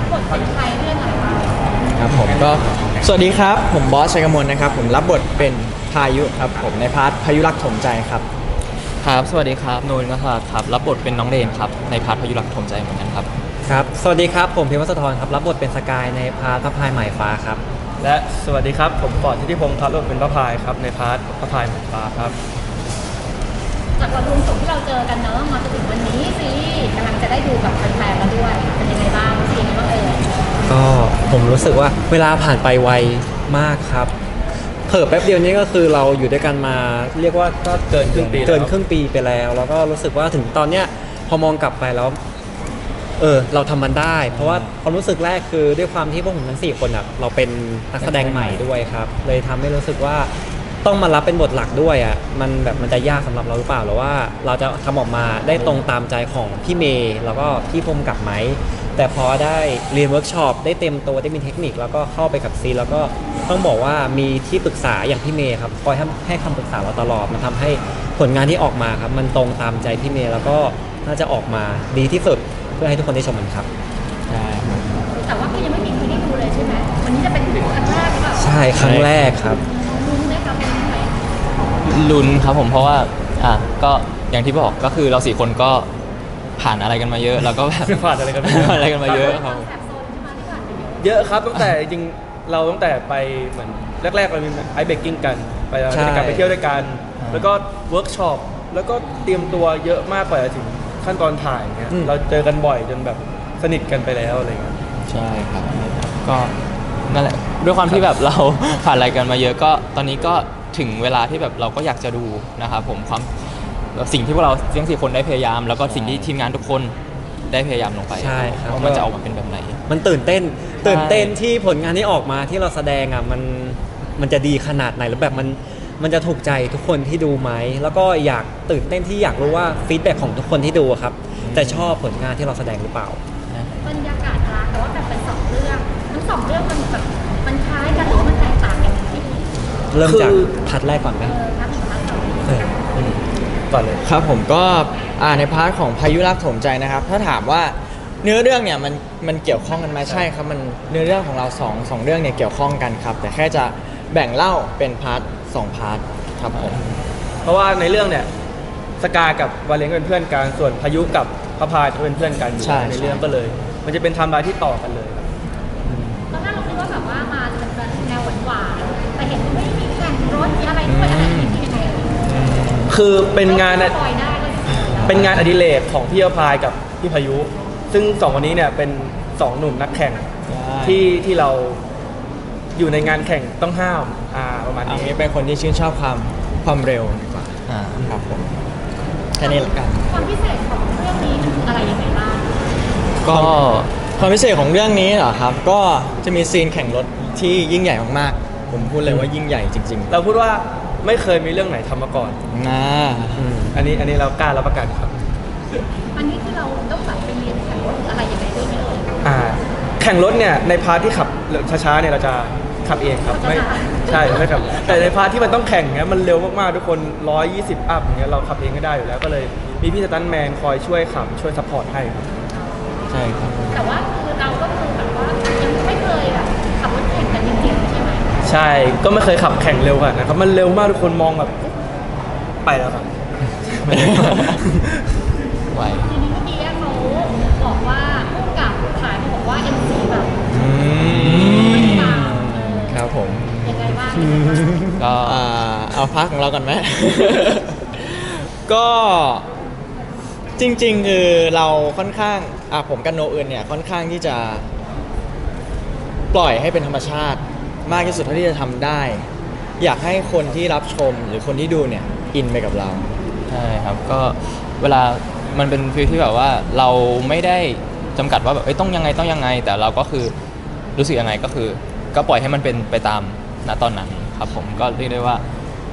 บทเป็นใครเรื่องอะไรบ้างครับผมก็สวัสดีครับผมบอสชัยกมลนะครับผมรับบทเป็นพายุครับผมในพาร์ทพายุรักถมใจครับครับสวัสดีครับนูนก็ครับรับบทเป็นน้องเรนครับในพาร์ทพายุรักถมใจเหมือนกันครับครับสวัสดีครับผมพิมพ์วัฒธรครับรับบทเป็นสกายในพาร์ทพระพายหมายฟ้าครับและสวัสดีครับผมปอดทิติพงศ์ครับรับบทเป็นพระพายครับในพาร์ทพระพายหมายฟ้าครับจากวันรวมส่งที่เราเจอกันเนอะมาจนถึงวันนี้ซีรีส์กำลังจะได้ดูกับแฟนๆแล้วด้วยเป็นยังไงบ้างซีรีส์บ้างก็ผมรู้สึกว่าเวลาผ่านไปไวมากครับเผิ่แป๊บเดียวนี้ก็คือเราอยู่ด้วยกันมาเรียกว่าก็เกินครึ่งปีไปแล้วแล้วก็รู้สึกว่าถึงตอนเนี้ยพอมองกลับไปแล้วเราทำมันได้ เพราะว่าความรู้สึกแรกคือด้วยความที่พวกผมทั้ง4คนอ่ะเราเป็นนักแสดงใหม่ด้วยครับเลยทำให้รู้สึกว่าต้องมารับเป็นบทหลักด้วยอ่ะมันจะยากสำหรับเราหรือเปล่าหรือว่าเราจะทำออกมาได้ตรงตามใจของพี่เมย์แล้วก็พี่พรมกับไหมแต่พอได้เรียนเวิร์กช็อปได้เต็มตัวได้มีเทคนิคแล้วก็เข้าไปกับซีแล้วก็ต้องบอกว่ามีที่ปรึกษาอย่างพี่เมย์ครับคอยให้คำปรึกษาเราตลอดมันทำให้ผลงานที่ออกมาครับมันตรงตามใจพี่เมย์แล้วก็น่าจะออกมาดีที่สุดเพื่อให้ทุกคนได้ชมมันครับใช่แต่ว่าก็ยังไม่มีใครได้ดูเลยใช่ไหมวันนี้จะเป็นครั้งแรกหรือเปล่าใช่ครั้งแรกครับลุ้นไหมครับเป็นยังไงลุ้นครับผมเพราะว่าก็อย่างที่บอกก็คือเรา4คนก็ผ่านอะไรกันมาเยอะแล้วก็แบบผ่านอะไรกันมาเยอะครับเยอะครับตั้งแต่จริงเราตั้งแต่ไปเหมือนแรกๆเรามีไอเบกกิ้งกันไปการไปเที่ยวด้วยกันแล้วก็เวิร์กช็อปแล้วก็เตรียมตัวเยอะมากกว่าจะถึงขั้นตอนถ่ายเนี่ยเราเจอกันบ่อยจนแบบสนิทกันไปแล้วอะไรเงี้ยใช่ครับก็นั่นแหละด้วยความที่แบบเราผ่านอะไรกันมาเยอะก็ตอนนี้ก็ถึงเวลาที่แบบเราก็อยากจะดูนะครับผมสิ่งที่พวกเราทั้ง4คนได้พยายามแล้วก็สิ่งที่ทีมงานทุกคนได้พยายามลงไปใช่ครับว่ามันจะออกมาเป็นแบบไหนมันตื่นเต้นที่ผลงานที่ออกมาที่เราแสดงอ่ะมันจะดีขนาดไหนแล้วแบบมันจะถูกใจทุกคนที่ดูไหมแล้วก็อยากตื่นเต้นที่อยากรู้ว่าฟีดแบ็กของทุกคนที่ดูครับจะชอบผลงานที่เราแสดงหรือเปล่าบรรยากาศร้านแต่ว่าแบบเป็น2เรื่องทั้ง2เรื่องมันแบบมันคล้ายกันหรือว่ามันแตกต่างกันเริ่มจากพาร์ทแรกก่อนไหมก่อนเลยครับผมก็ในพาร์ทของพายุรักถมใจนะครับถ้าถามว่าเนื้อเรื่องเนี่ยมันเกี่ยวข้องกันไหมใช่ครับมันเนื้อเรื่องของเรา2เรื่องเนี่ยเกี่ยวข้องกันครับแต่แค่จะแบ่งเล่าเป็นพาร์ท2พาร์ทครับผมเพราะว่าในเรื่องเนี่ยสกากับวาเลนเป็นเพื่อนกันส่วนพายุกับพระพายจะเป็นเพื่อนกันอยู่ในเรื่องก็เลยมันจะเป็นไทม์ไลน์ที่ต่อกันเลยตอนแรกเราคิดว่าแบบว่ามาจะเป็นแนวหวานๆแต่เห็นไม่มีแข่งรถมีอะไรด้วยอะไรอย่างเงี้ยคือเป็นงานอดิเรกของพี่พระพายกับพี่พายุซึ่ง2วันนี้เนี่ยเป็น2หนุ่มนักแข่งที่เราอยู่ในงานแข่งต้องห้ามประมาณนี้เป็นคนที่ชื่นชอบความเร็วดีกว่าครับผมแค่นี้ละกันความพิเศษของเรื่องนี้มันอะไรยังไงบ้างก็ความพิเศษของเรื่องนี้เหรอครับก็จะมีซีนแข่งรถที่ยิ่งใหญ่มากๆผมพูดเลยว่ายิ่งใหญ่จริงๆเราพูดว่าไม่เคยมีเรื่องไหนทำมาก่อนอันนี้เรากล้ารับประกันครับอันนี้คือเราต้องแบบไปเรียนแข่งรถอะไรยังไงด้วยไหมแข่งรถเนี่ยในพาร์ทที่ขับช้าๆเนี่ยเราจะขับเองครับไม่ใช่ไม่ครับแต่ในพาร์ทที่มันต้องแข่งเงี้ยมันเร็วมากๆทุกคน120อัพอย่างเงี้ยเราขับเองก็ได้อยู่แล้วก็เลยมีพี่สตันแมนคอยช่วยขับช่วยซัพพอร์ตให้ครับใช่ครับแต่ว่าคือเราก็คือแบบว่ายังไม่เคยแบบขับรถแข่งกันจริงๆใช่ไหมใช่ก็ไม่เคยขับแข่งเร็วกันนะครับมันเร็วมากทุกคนมองแบบไปแล้วครับไหวทีนี้เมื่อกี้เขาบอกว่าผู้กับขายบอกว่า NC แบบครับผมยังไงบ้างก็เอาพักของเราก่อนไหม ก็จริงๆคือเราค่อนข้างผมกับโนอื่นเนี่ยค่อนข้างที่จะปล่อยให้เป็นธรรมชาติมากที่สุดเท่าที่จะทำได้อยากให้คนที่รับชมหรือคนที่ดูเนี่ยอินไปกับเราใช่ครับก็เวลามันเป็นฟีลที่แบบว่าเราไม่ได้จำกัดว่าแบบต้องยังไงแต่เราก็คือรู้สึกยังไงก็คือก็ปล่อยให้มันเป็นไปตามณตอนนั้นครับผมก็เรียกได้ว่า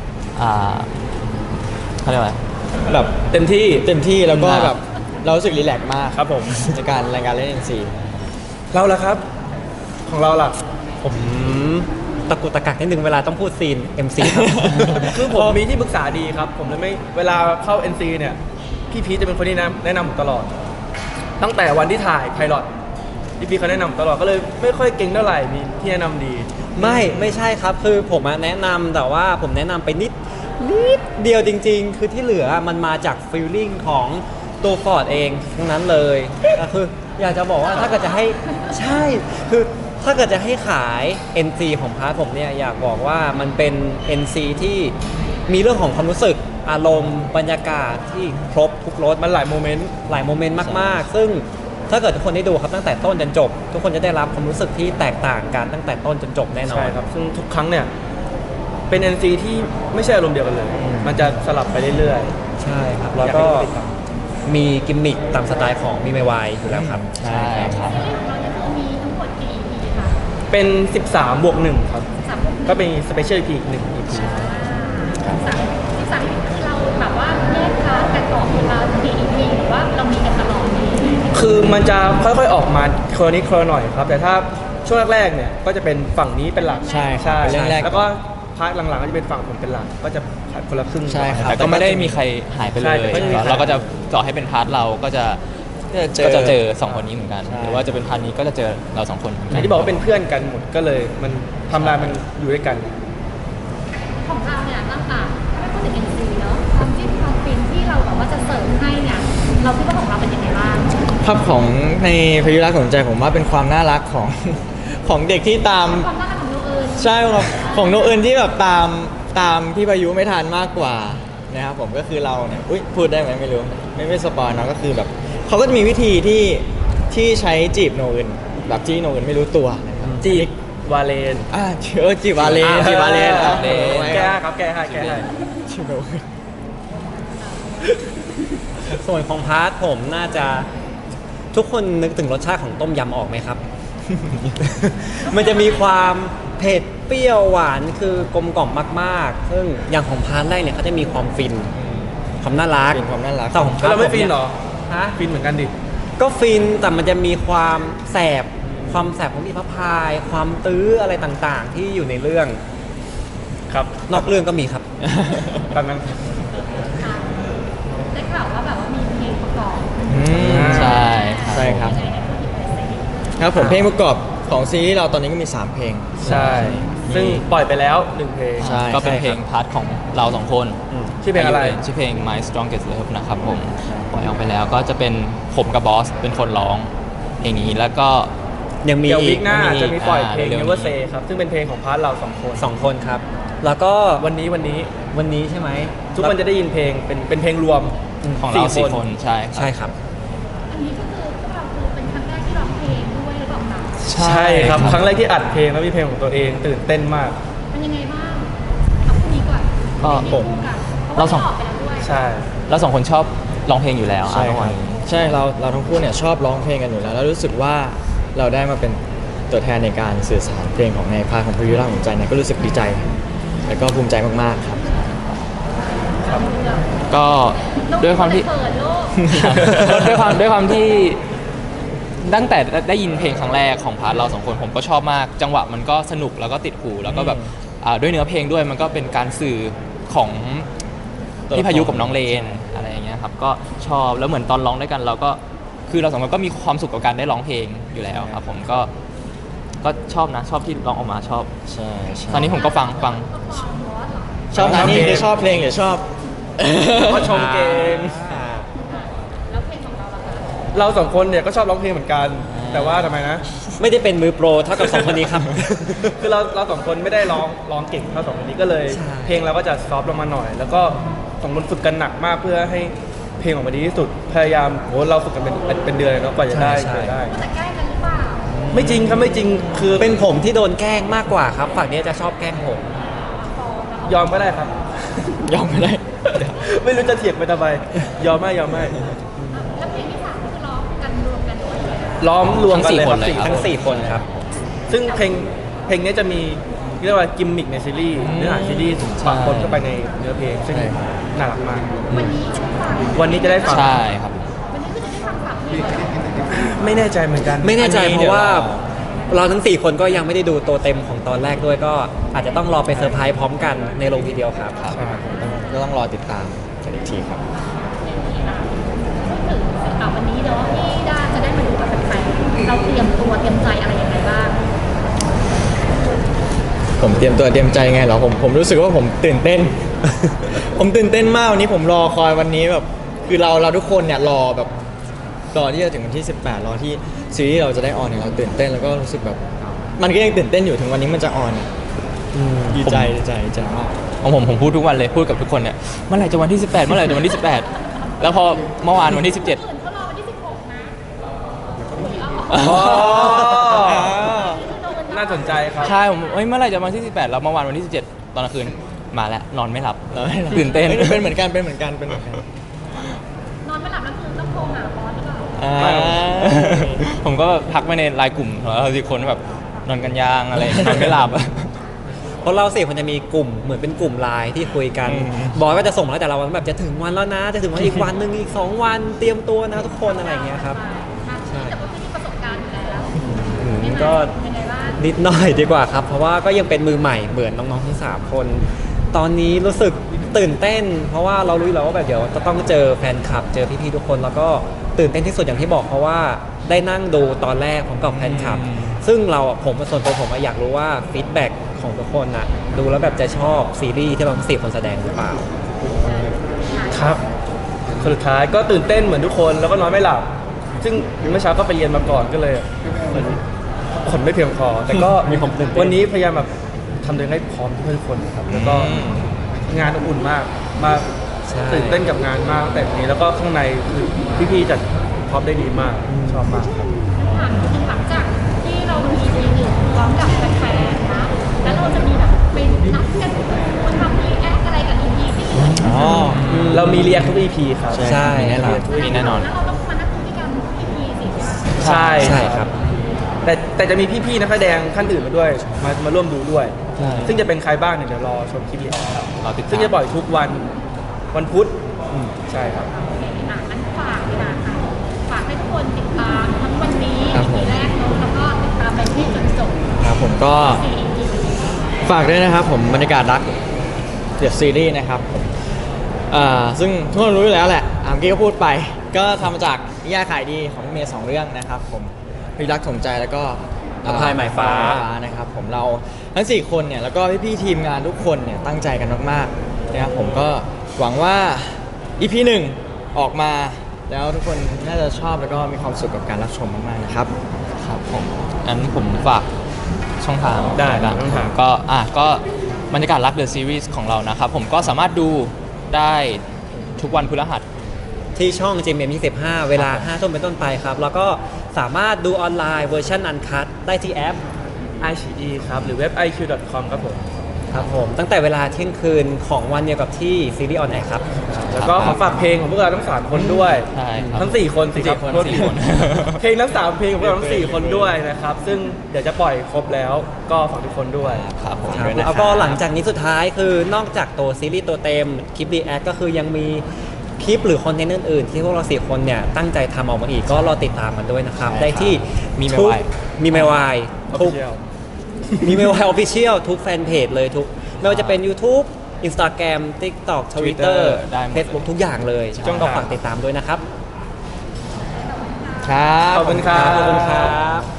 เขาเรียกว่าแบบเต็มที่แล้วก็แบบเรารู้สึกรีแลกซ์มากครับผมในการรายการเล่น NC เราล่ะครับของเราล่ะผมตะกุกตะกักนิดนึงเวลาต้องพูดซีน MC ครับคือผมมีที่ปรึกษาดีครับผมเลยไม่เวลาเข้า NC เนี่ยพี่พีชจะเป็นคนที่แนะนำผมตลอดตั้งแต่วันที่ถ่ายไพลอตพี่เขาแนะนำตลอดก็เลยไม่ค่อยเก่งเท่าไหร่มีที่แนะนำดีไม่ใช่ครับคือผมแนะนำแต่ว่าผมแนะนำไปนิดเดียวจริง ๆ คือที่เหลือมันมาจากฟีลลิ่งของตัวฟอร์ดเองทั้งนั้นเลยก็คืออยากจะบอกว่าถ้าเกิดจะให้ใช่คือถ้าเกิดจะให้ขาย NC ของพาร์ทผมเนี่ยอยากบอกว่ามันเป็น NC ที่มีเรื่องของความรู้สึกอารมณ์บรรยากาศที่ครบทุกรสมันหลายโมเมนต์หลายโมเมนต์มากๆ ซึ่งถ้าเกิดทุกคนได้ดูครับตั้งแต่ต้นจนจบ ทุกคนจะได้รับความรู้สึกที่แตกต่างกันตั้งแต่ต้นจนจบแน่นอนใช่ครับ ซึ่งทุกครั้งเนี่ย เป็น NC ที่ไม่ใช่อารมณ์เดียวกันเลย มันจะสลับไปเรื่อยใช่ครับ แล้วก็มีกิมมิคตามสไตล์ของมีไมวายอยู่แล้วครับใช่ครับซีรีส์ของเราเนี่ยคือมีทั้งหมดกี่ EP คะๆ เป็น 13 บวก 1 ครับ 3 EP ก็เป็นสเปเชียล EP อีก1 EP 13 EP คือเราแบบว่าแยกพาร์ทกันออกเป็นเรากี่ EP หรือว่าเรามีกันตลอดนี้คือมันจะค่อยๆออกมาคนละนิดคนละหน่อยครับ แต่ถ้าช่วงแรกๆเนี่ยก็จะเป็นฝั่งนี้เป็นหลักใช่ครับเป็นเรื่องแรกแล้วก็พาร์ทหลังๆก็จะเป็นฝั่งผมเป็นหลัก ก็จะคนละครึ่งใช่ครับแต่ก็ไม่ได้มีใครหายไปเลใช่ยแต่ไม่มีใครเราก็จะต่อให้เป็นพาร์ทเราก็จะเจอสองคนนี้เหมือนกันใช่หรือว่าจะเป็นพาร์ทนี้ก็จะเจอเราสองคนเหมือนอกัย่างที่บอกว่าเป็นเพื่อนกันหมดก็เลยมันทำลายมันอยู่ด้วยกันของเราเนี่ยตั้งแต่ถ้าไม่พูดถึง NC เนาะความจิ้นความฟินที่เราแบบว่าจะเสริมให้เนี่ยเราคิดว่าของเราเป็นยังไงบ้างภาพของในพายุรักสนใจผมว่าเป็นความน่ารักของ ของเด็กที่ตามความน่ารักของโนเอิญใช่ครับของโนเอิญที่แบบตามพี่พายุไม่ทันมากกว่านะครับผมก็คือเราเนี่ยอุ๊ยพูดได้ไหมไม่รู้ไม่สปอยเนาะก็คือแบบเขาก็จะมีวิธีที่ใช้จีบโนเอิญแบบที่โนเอิญไม่รู้ตัวนะครับจีบวาเลนจีบวาเลนจีบวาเลนครับแก้ให้ครับแก้ให้จีบโนเอิญส่วนของพาร์ทผมน่าจะทุกคนนึกถึงรสชาติของต้มยำออกไหมครับ มันจะมีความเผ็ดเปรี้ยวหวานคือกลมกล่อมมากๆ ซึ่งอย่างของพาร์ทแรกเนี่ยเขาจะมีความฟินความน่ารักเป็นความน่ารักแต่ของพาแล้ร์วทเราไม่ผฟินยเหรอฮะฟินเหมือนกันดิก็ฟินแต่มันจะมีความแสบของอีพระพาย ความตื้ออะไรต่างๆ ที่อยู่ในเรื่องครับนอกเรื่องก็มีครับตอนนั้นได้ข่าวว่าแบบว่ามีเพลงประกอบใช่ใช่ครับยังไงนะพี่เปิดเสียงครับผมเพลงประกอบของซีรีส์เราตอนนี้ก็มี 3 เพลงใช่ ซึ่งปล่อยไปแล้ว1เพลงใช่ก็เป็นเพลงพาร์ทของเราสองคนชื่อเพลงอะไรชื่อเพลง My Strongest Love นะครับผมปล่อยออกไปแล้วก็จะเป็นผมกับบอสเป็นคนร้องเพลงนี้แล้วก็ยังมีเดี๋ยวอีวิกกหน้าจะมีปล่อยเพลงเร็วๆนี้ Never Say ครับ ซึ่งเป็นเพลงของพาร์ทเรา2 คน 2 คนครับ แล้วก็วันนี้วันนี้ใช่ไหมทุกคนจะได้ยินเพลงเป็นเพลงรวมของเราสี่คนใช่ครับใช่ครับอันนี้ก็คือพวกเราคือเป็นครั้งแรกที่ร้องเพลงด้วยหรือเปล่าคะใช่ครับ ครั้งแรกที่อัดเพลงแล้วมีเพลงของตัวเองตื่นเต้นมากเป็นยังไงบ้างเอาคู่นี้ก่อนก็เพลงคู่กันเพราะเราว่าสองออกไปแล้วด้วยใช่เราสองคนชอบร้องเพลงอยู่แล้วใช่อ่ะครับใช่เราทั้งคู่เนี่ยชอบร้องเพลงกันอยู่แล้ว แล้วรู้สึกว่าเราได้มาเป็นตัวแทนในการสื่อสารเพลงของในพาร์ทของพายุรักสนใจเนี่ยก็รู้สึกดีใจ แล้วก็ภูมิใจมากๆครับก็ด้วยความที่เปิดโลกด้วยความที่ตั้งแต่ได้ยินเพลงครั้งแรกของพาร์ทเราสองคนผมก็ชอบมาก จังหวะมันก็สนุกแล้วก็ติดหูแล้วก็แบบด้วยเนื้อเพลงด้วยมันก็เป็นการสื่อของพี่พายุกับน้องเลนอะไรอย่างเงี้ยครับก็ชอบแล้วเหมือนตอนร้องด้วยกันเราก็คือเราสองคนก็มีความสุขกับการได้ร้องเพลงอยู่แล้วครับผมก็ชอบนะชอบที่ร้องออกมาชอบใช่ใช่ตอนนี้ผมก็ฟังชอบนะนี่คือชอบเพลงหรือชอบก็ชมเก่งแล้วเพลงของเราล่ะคะเรา2 คนเนี่ยก็ชอบร้องเพลงเหมือนกัน แต่ว่าทำไมนะไม่ได้เป็นมือโปรเท่ากับ 2 คนนี้ครับคือเรา2 คนไม่ได้ร้องเก่งเท่า2 คนนี้ก็เลยใช่เพลงเราก็จะซอฟต์ลงมาหน่อย แล้วก็2 คนฝึกกันหนักมากเพื่อให้เพลงออกมาดีที่สุด พยายามโหเราฝึกกันเป็นเดือนเลยเนาะกว่าจะได้กว่าจะได้แต่ใกล้กันหรือเปล่าไม่จริงครับไม่จริงคือเป็นผมที่โดนแกล้งมากกว่าครับ ฝั่งนี้จะชอบแกล้งผมยอมก็ได้ครับยอมไม่ได้ไม่รู้จะเถียงไปทำไมยอมไม่แล้วเพลงที่สามก็คือร้องกันรวมกันด้วยล้อมรวมกันเลยครับทั้งสี่คนเลยสี่ครับทั้ง 4 คนครับซึ่งเพลงนี้จะมีเรียกว่ากิมมิกในซีรีส์เนื้อหาซีรีส์ปะปนเข้าไปในเนื้อเพลงซึ่งใช่ครับน่ารักมากวันนี้จะได้ฟังวันนี้จะได้ฟังใช่ครับวันนี้คือจะได้ฟังสามเพลงเลยไม่แน่ใจเหมือนกันไม่แน่ใจอันนี้เพราะว่าเดี๋ยวเราทั้ง 4 คนก็ยังไม่ได้ดูตัวเต็มของตอนแรกด้วยก็อาจจะต้องรอไปเซอร์ไพรส์พร้อมกันในโรงทีเดียวครับใช่ครับก็ต้องรอติดตามกันอีกทีครับพูดถึงวันนี้เนาะที่ด้าจะได้มาดูกับแฟนๆเราเตรียมตัวผมเตรียมตัวเตรียมใจไงเหรอผมรู้สึกว่าผมตื่นเต้น ผมตื่นเต้นมากวันนี้ผมรอคอยวันนี้แบบคือเราทุกคนเนี่ยรอแบบรอที่จะถึงวันที่ 18รอที่ซีรีส์เราจะได้ออนเนี่ยเราตื่นเต้นแล้วก็รู้สึกแบบมันก็ยังตื่นเต้นอยู่ถึงวันนี้มันจะออนดีใจมากของผมพูดทุกวันเลยพูดกับทุกคนเนี่ยเมื่อไหร่จะวันที่ 18เมื่อไหร่จะวันที่ 18 แล้วพอเมื่อวานวันที่ 17 อื่นเขารอวันที่ 16 นะอ๋ออ่าน่าสนใจครับใช่ผมเมื่อไหร่จะวันที่ 18แล้วเมื่อวานวันที่ 17 ตอนกลางคืนมาแล้วนอนไม่หลับเราไม่รับตื่นเต้นเป็นเหมือนกันนอนไม่หลับแล้วคือต้องโทรหาบอสหรือเปล่าอ่าผมก็ทักไปในไลน์กลุ่มเราสิคนแบบนอนกันยางอะไรนอนไม่หลับเพราะเราสี่คนจะมีกลุ่มเหมือนเป็นกลุ่มไลน์ที่คุยกันอืมบอยก็จะส่งมาแล้วแต่ละวันแบบจะถึงวันแล้วนะ จะถึงวันอีกวันหนึ่งอีก 2 วันเตรียมตัวนะทุกคนอะไรอย่างเงี้ยครับ ใช่แต่ว่าพี่มีประสบการณ์อยู่แล้วก็เป็นไงบ้างนิดหน่อยดีกว่าครับ เพราะว่าก็ยังเป็นมือใหม่เหมือนน้องๆทั้ง3 คน ตอนนี้รู้สึกตื่นเต้น เพราะว่าเรารู้อยู่แล้วว่าแบบเดี๋ยวจะต้องเจอแฟนคลับ เจอพี่ๆทุกคน แล้วก็ตื่นเต้นที่สุดอย่างที่บอกเพราะว่าได้นั่งดูตอนแรกผมกับแฟนคลับ ซึ่งเราผมส่วนตัวผมอยากรู้ว่าฟีดแบ็กของทุกคนนะดูแล้วแบบจะชอบซีรีส์ที่เราทั้ง4 คนแสดงหรือเปล่าครับสุดท้ายก็ตื่นเต้นเหมือนทุกคนแล้วก็นอนไม่หลับ ซึ่งเมื่อเช้าก็ไปเรียนมาก่อนก็เลยเหมือนผลไม่เพียงพอ แต่ก็มีความตื่นเต้นวันนี้พยายามแบบทำตัวเองให้พร้อมทุกคนครับแล้วก็งานอบอุ่นมากใช่ตื่นเต้นกับงานมากแต่นี้แล้วก็ข้างในคือพี่ๆจัดพร้อมได้ดีมากชอบมากครับหลังจากที่เราดู EP หนึ่งพร้อมกับแฟนๆนะ แล้วเราจะมีแบบไปนัดกันมาทำรีแอคอะไรกับ EP ที่เหลืออ๋อเรามีเรียกทุก EP ครับใช่มีแน่นอนมีแน่นอนแล้วเราต้องมานัดดูด้วยกันทุก EP สิใช่ไหมใช่ใช่ครับแต่จะมีพี่ๆนักแสดงท่านอื่นมาด้วยมาร่วมดูด้วยใช่ซึ่งจะเป็นใครบ้างเนี่ยเดี๋ยวรอชมคลิปนี้ครับเราติดตามซึ่งจะปล่อยทุกวันพุธใช่ครับงั้นฝากดีกว่าค่ะฝากให้ทุกคนติดตามทั้งวันนี้ครับผม EP แรกเนอะแล้วก็ติดตามไปที่จนจบครับผมก็ 4 EP ฝากด้วยนะครับผมบรรยากาศรักเดอะซีรีส์นะครับซึ่งทุกคนรู้อยู่แล้วแหละเมื่อกี้ก็พูดไป ก็ทำมาจากนิยายขายดีของพี่เมย์2 เรื่องนะครับผมพิรักถมใจแล้วก็อภัยหมายฟ้านะครับผมเราทั้ง 4 คนเนี่ยแล้วก็พี่ๆทีมงานทุกคนเนี่ยตั้งใจกันมากๆนะครับผมก็หวังว่า EP 1 ออกมาแล้วทุกคนน่าจะชอบแล้วก็มีความสุขกับการรับชมมากๆนะครับครับผมงั้นผมฝากช่องทางได้นะช่องทางก็บรรยากาศรักเดอะซีรีส์ของเรานะครับผมก็สามารถดูได้ทุกวันพฤหัสที่ช่อง GMM 25 เวลา 5 ทุ่มเป็นต้นไปครับ แล้วก็สามารถดูออนไลน์เวอร์ชันอันคัได้ที่แอป iQIYI ครับหรือเว็บ iq.com ครับผมครับผม ตั้งแต่เวลาเที่ยงคืนของวันเดียวกับที่ซีรีส์ออนแอร์ครับแล้วก็ขอฝากเพลงของพวกเราทั้ง3คนด้วยใช่ครับทั้ง4คนสิครับ 4คนโทษที 4คนเพลงทั้ง3เพลงของพวกเราทั้ง4คนด้วยนะครับ ซึ่งเดี๋ยวจะปล่อยครบแล้วก็ฝากทุกคนด้วยครับผมครับด้วยนะครับแล้วก็หลังจากนี้สุดท้ายคือนอกจากตัวซีรีส์ตัวเต็มคลิปรีแอคก็คือยังมีคลิปหรือคอนเทนต์อื่นๆ ที่พวกเรา4 คนเนี่ยตั้งใจทำออกมาอีกก็รอติดตามกันด้วยนะครับใช่ได้ที่มีเมทุกวายมีเมวายทุก Official มีเมวายออฟฟิเชียลทุกแฟนเพจเลยทุกไม่ว่าจะเป็น YouTube Instagram TikTok Twitter ได้หมดเลย Facebook ทุกอย่างเลยช่องทางก็ฝากติดตามด้วยนะครับครับขอบคุณครับขอบคุณครับ